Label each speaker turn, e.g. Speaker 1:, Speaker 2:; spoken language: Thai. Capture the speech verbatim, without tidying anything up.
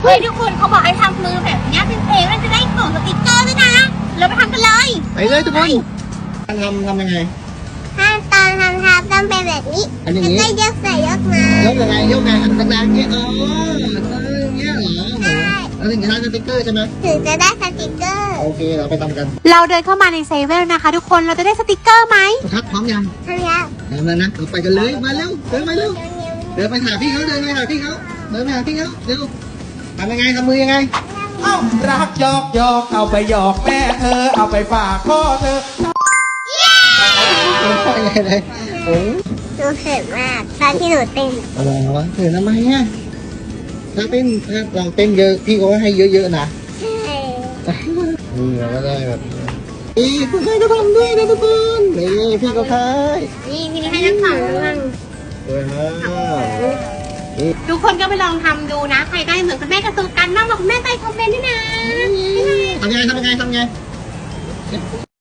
Speaker 1: เฮ้ยทุกคนเขาบอกให้ทำมือแบบนี้เป็นเพลงแล้วจะได้กล่องสติ๊กเกอร์ด้วยนะเราไปทำกันเลย
Speaker 2: ไปเลยทุกคนการทำทำยังไง
Speaker 3: ขั้นตอนทำทับต้องเป็นแบบนี้
Speaker 2: อันอย่างนี้
Speaker 3: แล้วก็ยกใส่ยกมาย
Speaker 2: กยังไงยกไงดังๆเงี้ยอ๋ออย่างเงี้ยเหรอแล้วถึงจะได้สติ๊กเกอร์ใช่ไหม
Speaker 3: ถึงจะได้สติ๊กเกอร์
Speaker 2: โอเคเราไปทำกัน
Speaker 1: เราเดินเข้ามาในเซเว่นนะคะทุกคนเราจะได้สติ๊กเกอร์ไหม
Speaker 2: ทักพร้อมยัง
Speaker 3: ทำยัง
Speaker 2: ทำแล้วนะเราไปกันเลยมาเร็วเดินไปเร็วเดินไปหาพี่เขาเดินไปหาพี่เขาเดินไปหาพี่เขาเร็วทำยังไงทำมือยังไง
Speaker 4: เอ้ารักหยอกหยอกเอาไปหยอกแม่เธอเอาไปฝากพ่อเธอ
Speaker 2: ยังไงเลยโอ้
Speaker 3: หนูเขินมากตอนที่หนูเต้น
Speaker 2: อะไรวะเขินทำไมอ่ะถ้าเต้นถ้าลองเต้นเยอะพี่ก็ให้เยอะๆนะนี่เราก็ได้แบบนี่คุณใครก็ทำด้วยนะทุกคนนี่พี่ก็คาย
Speaker 3: นี่พี่ให้ทั้งสองเรื่อง
Speaker 2: สวยมาก
Speaker 1: ทุกคนก็ไปลองทำดูนะใครได้เหมือนคุณแม่กระตุกกันบ้างบอกคุณแม่ใต้คอมเมนต์ด้วยนะ
Speaker 2: ทำยังไงทำยังไงทำยังไง